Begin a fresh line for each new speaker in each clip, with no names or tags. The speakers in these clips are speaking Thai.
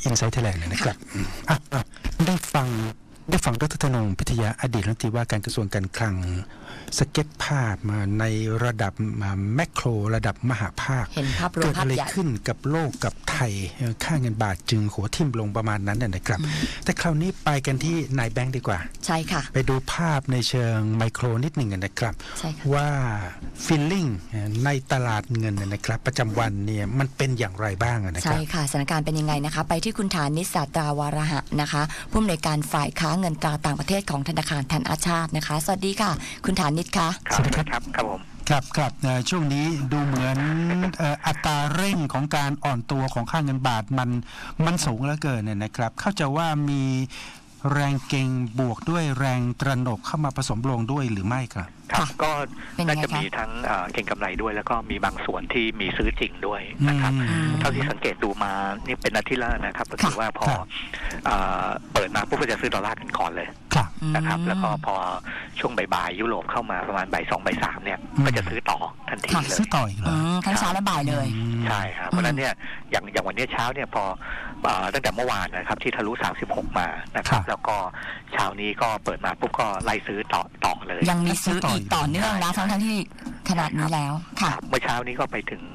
Insight Thailand นะครับได้ฟังดร.ธนง พิทยาอดีตรัฐมนตรีว่าการกระทรวงการคลังสเก็ตภาพมาในระดับแมคโครระดับมหาภาค
เห็นภาพรวม
เกิดอะไร
ภาพใหญ่
ขึ้นกับโลกกับไทยค่าเงินบาทจึงหัวทิ่มลงประมาณนั้นนะครับแต่คราวนี้ไปกันที่นายแบงค์ดีกว่า
ใช่ค่ะ
ไปดูภาพในเชิงไมโครนิดหนึ่งนะครับ
ใช่ค่ะ
ว่าฟีลลิ่งในตลาดเงินนะครับประจำวันเนี่ยมันเป็นอย่างไรบ้างนะครับ
ใช่ค่ะสถานการณ์เป็นยังไงนะคะไปที่คุณฐานิช ศาสตราวาระหะนะคะผู้อำนวยการฝ่ายค้าเงินตราต่างประเทศของธนาคารธนชาตินะคะสวัสดีค่ะคุณฐานิชค่ะ
สวัสดีครับครับผม
ครับช่วงนี้ดูเหมือนอัตราเร่งของการอ่อนตัวของค่าเงินบาทมันสูงเหลือเกินเนี่ยนะครับเข้าใจว่ามีแรงเก็งบวกด้วยแรงตระหนกเข้ามาผสมลงด้วยหรือไม่ครับ
ครับก็น่าจะมีทั้งเก็งกำไรด้วยแล้วก็มีบางส่วนที่มีซื้อจริงด้วยนะครับเท่าที่สังเกตดูมานี่เป็นอาทิตย์ละนะครับก็คือว่าพอเปิดมาปุ๊บก็จะซื้อดอลลาร์กันก่อนเลยนะครับแล้วก็พอช่วงบ่ายยุโรปเข้ามาประมาณบ่าย2บ่าย3เนี่ยก็จะซื้อต่อทันทีเลย
ซื้อต่ออีกเลย
ทั้งเช้าและบ่ายเลย
ใช่ครับเพราะฉะนั้นเนี่ยอย่างวันนี้เช้าเนี่ยพอตั้งแต่เมื่อวานนะครับที่ทะลุ36มานะครับแล้วก็เช้านี้ก็เปิดมาปุ๊บก็ไล่ซื้อต่อเลย
ยังมีซื้ออีกต่อเนื่องนะทั้งที่ขนาดนี้แล้วค่ะ
เมื่อเช้านี้ก็ไปถึง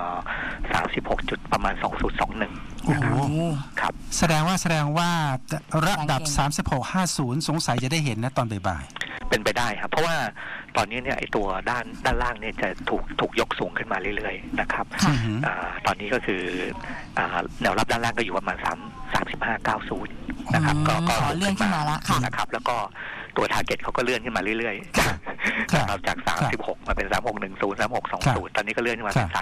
36จุดประมาณ2021นะครับครับ
แสดงว่าระดับ3650สงสัยจะได้เห็นนะตอนบ่าย
เป็นไปได้ครับเพราะว่าตอนนี้เนี่ยไอ้ตัวด้านล่างเนี่ยจะถูกยกสูงขึ้นมาเรื่อยๆนะครับตอนนี้ก็คือแนวรับด้านล่างก็อยู่ประมาณ3590นะครับก็
เลื่อนขึ้นมาแล้ว
นะครับแล้วก็ตัว target เขาก็เลื่อนขึ้นมาเรื่อยๆนะครับจาก36มาเป็น3610 3620ตอนนี้ก็เลื่อนขึ้นมาเป็น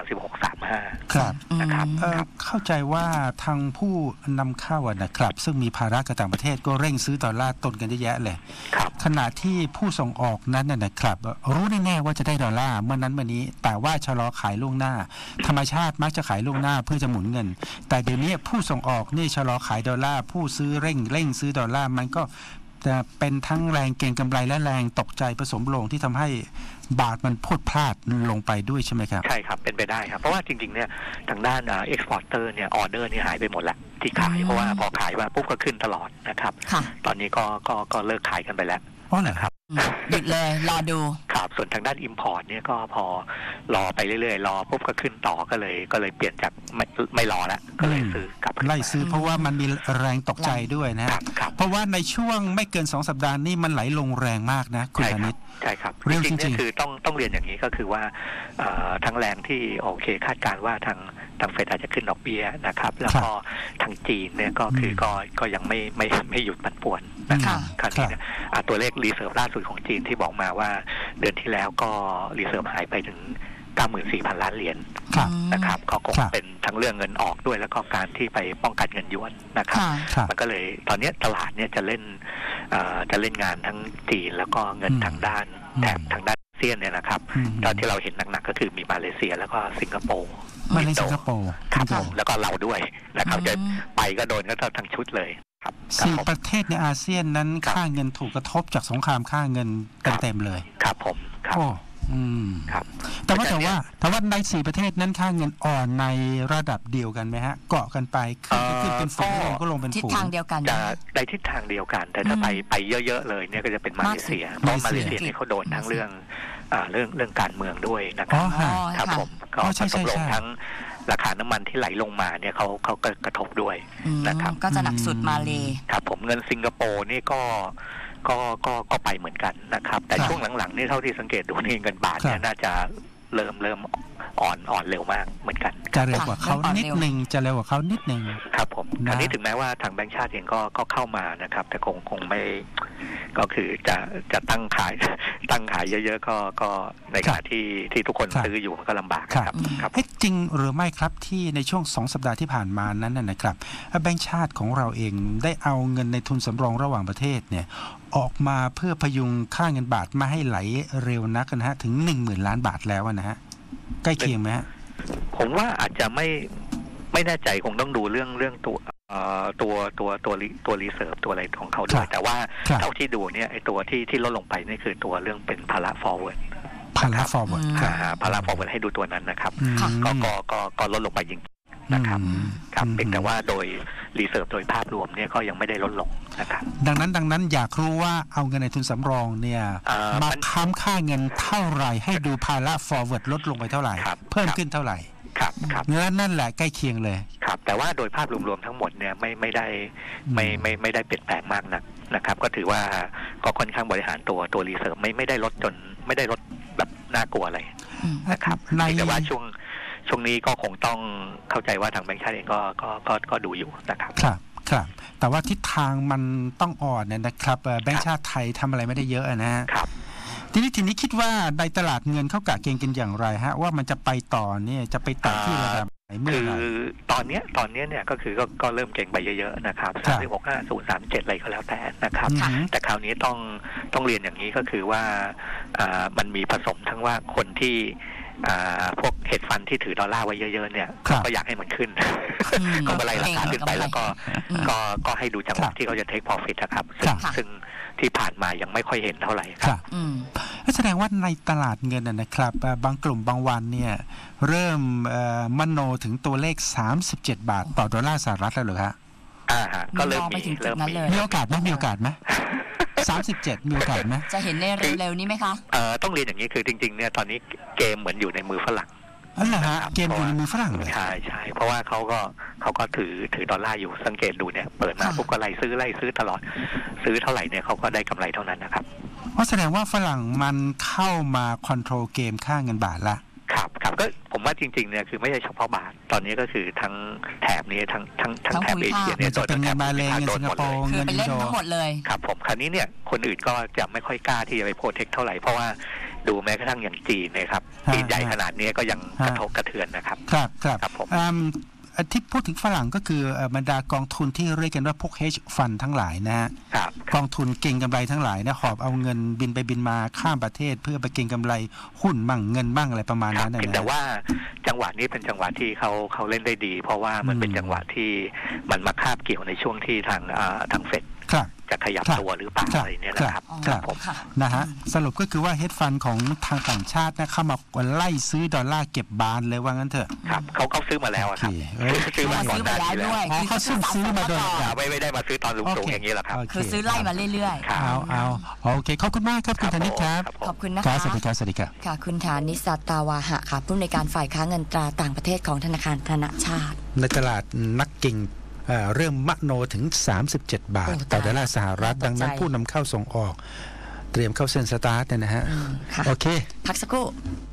3635
ครับ
นะครับ
เข้าใจว่าทางผู้นำเข้านะครับซึ่งมีภาระกับต่างประเทศก็เร่งซื้อดอลลาร์ตนกันเยอะแยะเลยขณะที่ผู้ส่งออกนั้นนะครับรู้แน่ๆว่าจะได้ดอลลาร์เมื่อนั้นเมื่อนี้แต่ว่าชะลอขายล่วงหน้าธรรมชาติมักจะขายล่วงหน้าเพื่อจะหมุนเงินแต่เดี๋ยวนี้ผู้ส่งออกนี่ชะลอขายดอลลาร์ผู้ซื้อเร่งซื้อดอลลาร์มันก็จะเป็นทั้งแรงเก็งกำไรและแรงตกใจผสมลงที่ทำให้บาทมันพุดพลาดลงไปด้วยใช่ไหมครับ
ใช่ครับเป็นไปได้ครับเพราะว่าจริงๆเนี่ยทางด้านเอ็กซ์พอร์เตอร์เนี่ยออเดอร์เนี่ยหายไปหมดแล้วที่ขายเพราะว่าพอขายมาปุ๊บก็ขึ้นตลอดนะครับตอนนี้ก็เลิกขายกันไปแล้ว
นะครับ
หยุดเลยรอดู
ครับส่วนทางด้าน Import เนี่ยก็พอรอไปเรื่อยๆรอปุ๊บก็ขึ้นต่อก็เลยเปลี่ยนจากไม่รอแล้วก็เลยซื้อกลับ
ไล่ซื้อเพราะว่ามันมีแรงตกใจด้วยนะครับเพราะว่าในช่วงไม่เกิน2สัปดาห์นี้มันไหลลงแรงมากนะคุณธนิต
ใช่ครับจริงๆเนี่ยคือต้องเรียนอย่างนี้ก็คือว่าทั้งแรงที่โอเคคาดการว่าทางเฟดอาจจะขึ้นดอกเบี้ยนะครับแล้วก็ทางจีนเนี่ยก็คือก็ยังไม่หยุดปั่นป่วนนะครับคราวนี้เนี่ยตัวเลขรีเซิร์ฟล่าสุดของจีนที่บอกมาว่าเดือนที่แล้วก็รีเซิร์ฟหายไปถึง 94,000 ล้านเหรียญนะครับก็คงเป็นทั้งเรื่องเงินออกด้วยแล้วก็การที่ไปป้องกันเงินหยวนนะครับมันก็เลยตอนนี้ตลาดเนี่ยจะเล่นงานทั้งจีนแล้วก็เงินทางด้านแถบทางด้านอาเซียนเนี่ยนะครับตอนที่เราเห็นหนักๆก็คือมีมาเลเซียแล้วก็สิงคโปร์
สิงคโปร์
ครับแล้วก็เราด้วยนะครับจะไปก็โดนก็ทั้งชุดเลยครับ
4ประเทศในอาเซียนนั้นค่าเงินถูกกระทบจากสงครามค่าเงินเต็มเลย
ครับผมครับ
ครับแต่ว่าใน4ประเทศนั้นค่าเงินอ่อนในระดับเดียวกันไหมฮะเกาะกันไปขึ้นเป็นฝูงลงก็ลงเป็นฝูง
ทิศทางเดียวกัน
จะในทิศทางเดียวกันแต่ถ้าไปเยอะๆเลยเนี่ยก็จะเป็นมาเลเซียเพราะมาเลเซียนี่เขาโดนทั้งเรื่องการเมืองด้วยนะครับครับผมก็กระทบลงทั้งราคาน้ำมันที่ไหลลงมาเนี่ยเขาก็กระทบด้วยนะครับ
ก็จะหนักสุดมาเลย
ครับผมเงินสิงคโปร์นี่ก็ไปเหมือนกันนะครับแต่ช่วงหลังๆนี่เท่าที่สังเกตดูนี่เงินบาทเนี่ยน่าจะเริ่มอ่อนเร็วมากเหมือนกัน
จะเร็วกว่าเขานิดนึง
ครับผมอันนี้ถึงแม้ว่าทางแบงก์ชาติเองก็เข้ามานะครับแต่คงไม่ก็คือจะตั้งขายเยอะๆก็ในขณะที่ทุกคนซื้ออยู่มันก็ลำบากครับ
จริงหรือไม่ครับที่ในช่วง2สัปดาห์ที่ผ่านมานั้นนะครับแบงก์ชาติของเราเองได้เอาเงินในทุนสำรองระหว่างประเทศเนี่ยออกมาเพื่อพยุงค่าเงินบาทมาให้ไหลเร็วนักนะฮะถึง 10,000 ล้านบาทแล้วนะฮะใกล้เคียงไหมฮะ
ผมว่าอาจจะไม่แน่ใจคงต้องดูเรื่องตัวรีเซิร์ฟตัวอะไรของเขาด้วยแต่ว่าเท่าที่ดูเนี่ยไอ้ตัวที่ลดลงไปนี่คือตัวเรื่องเป็นภาระ forward
ภาระ forward
ภาระ forward ให้ดูตัวนั้นนะครับก็ลดลงไปจริงนะครับครับเป็นแต่ว่าโดรีเซิร์ฟโดยภาพรวมเนี่ยก็ยังไม่ได้ลดลงนะครับ
ดังนั้นอยากรู้ว่าเอาเงินในทุนสำรองเนี่ยมาค้ำค่าเงินเท่าไหร่ให้ดูภาระ forward ลดลงไปเท่าไหร่เพิ่มขึ้นเท่าไหร่
ครับ
นั่นแหละใกล้เคียงเลย
ครับแต่ว่าโดยภาพรวมๆทั้งหมดเนี่ยไม่ได้เปลี่ยนแปลงมากนักนะครับก็ถือว่าก็ค่อนข้างบริหารตัวรีเซิร์ฟไม่ได้ลดจนไม่ได้ลดแบบน่ากลัวอะไรนะครับแต่ว่าช่วงนี้ก็คงต้องเข้าใจว่าทางแบงก์ชาติเองก็ดูอยู่นะครับ
ครับแต่ว่าทิศทางมันต้องอ่อนนะครับแบงก์ชาติไทยทำอะไรไม่ได้เยอะนะครับทีนี้คิดว่าในตลาดเงินเขากะเกณฑ์กันอย่างไรฮะว่ามันจะไปต่อเนี่ยจะไปต่อที่ระดับไหนเมื่อไหร่
คือตอนนี้เนี่ยก็คือก็เริ่มเก่งไปเยอะๆนะครับ365037อะไรก็แล้วแต่นะครับแต่คราวนี้ต้องเรียนอย่างนี้ก็คือว่ามันมีผสมทั้งว่าคนที่พวกเฮดฟันที่ถือดอลลาร์ไว้เยอะๆเนี่ยก็อยากให้มันขึ้นก็มาไล่ราคาขึ้นไปแล้วก็ให้ดูจังหวะที่เขาจะเทคพอฟิตนะครับซึ่งที่ผ่านมายังไม่ค่อยเห็นเท่าไหร่ครับ
แสดงว่าในตลาดเงินนะครับบางกลุ่มบางวันเนี่ยเริ่มมโนถึงตัวเลข37 บาทต่อดอลลาร์สหรัฐแล้วเหรอฮะ
ก็เริ่ม
มีโอกาสไหม37มีโอกาสไหม
จะเห็นในเร็วๆนี้ไหมคะ
ต้องเรียนอย่างนี้คือจริงๆเนี่ยตอนนี้เกมเหมือนอยู่ในมือฝรั่ง
เหรอฮะเกมอยู่ในมือฝรั่งเลย
ใช่เพราะว่าเขาก็ถือดอลลาร์อยู่สังเกตดูเนี่ยเปิดมาปุ๊บก็ไล่ซื้อตลอดซื้อเท่าไหร่เนี่ยเขาก็ได้กำไรเท่านั้นนะครับ
เพราะแสดงว่าฝรั่งมันเข้ามาคอนโทรลเกมค่าเงินบาทละ
ครับก็ผมว่าจริงๆเนี่ยคือไม่ใช่เฉพาะบาทตอนนี้ก็คือทั้งแถบนี้ทั้งแถบเอเชียเนี่ย
จะเป็นเงินมาเลเงินสิงคโปร์เงิน
อินโดทั้งหมดเลย
ครับผมคราวนี้เนี่ยคนอื่นก็จะไม่ค่อยกล้าที่จะไปโปรเทคเท่าไหร่เพราะว่าดูแม้กระทั่งอย่างจีนนะครับจีนใหญ่ขนาดนี้ก็ยังกระทบกระเทือนนะครับ
ครับผมที่พูดถึงฝรั่งก็คือบรรดากองทุนที่เรียกกันว่าพวก hedge fund ทั้งหลายนะฮะกองทุนเก็งกำไรทั้งหลายนะหอบเอาเงินบินไปบินมาข้ามประเทศเพื่อไปเก็งกำไรหุ้นมั่งเงินบ้างอะไรประมาณนั้นนะ
แต่ว่าจังหวะนี้เป็นจังหวะที่เขาเล่นได้ดีเพราะว่ามันเป็นจังหวะที่มันมาคาบเกี่ยวในช่วงที่ทางเฟดจะขยับตัวหรือเปล่าอะไรเนี่ยนะครับ
ผมนะฮะสรุปก็คือว่าเฮดฟันของทางต่างชาตินะเข้ามาไล่ซื้อดอลลาร์เก็บบานเลยว่างั้นเถอะ
ครับเขาซื้อมาแล้วครับ
ซื้อมาก่อนหน้านี้แล้ว
เขาซื้อมาโดย
ไม่ได้มาซื้อตอนสูงๆอย่างนี้หรอกครับ
คือซื้อไล่มาเรื่อย
ๆเอาโอเคขอบคุณมากครับคุณธนิตครับ
ขอบคุณนะคะ
สวัสดีครับ
ค่ะคุณธนิต สัตตาวาหะค่ะผู้อำนวยการฝ่ายค้าเงินตราต่างประเทศของธนาคารธนชาติ
ในตลาดนักเก็งเริ่มมโนถึง37 บาทต่อดอลลาร์สหรัฐดังนั้นผู้นำเข้าส่งออกเตรียมเข้าเส้นสตาร์ทนะฮะโอเค
พักสักครู่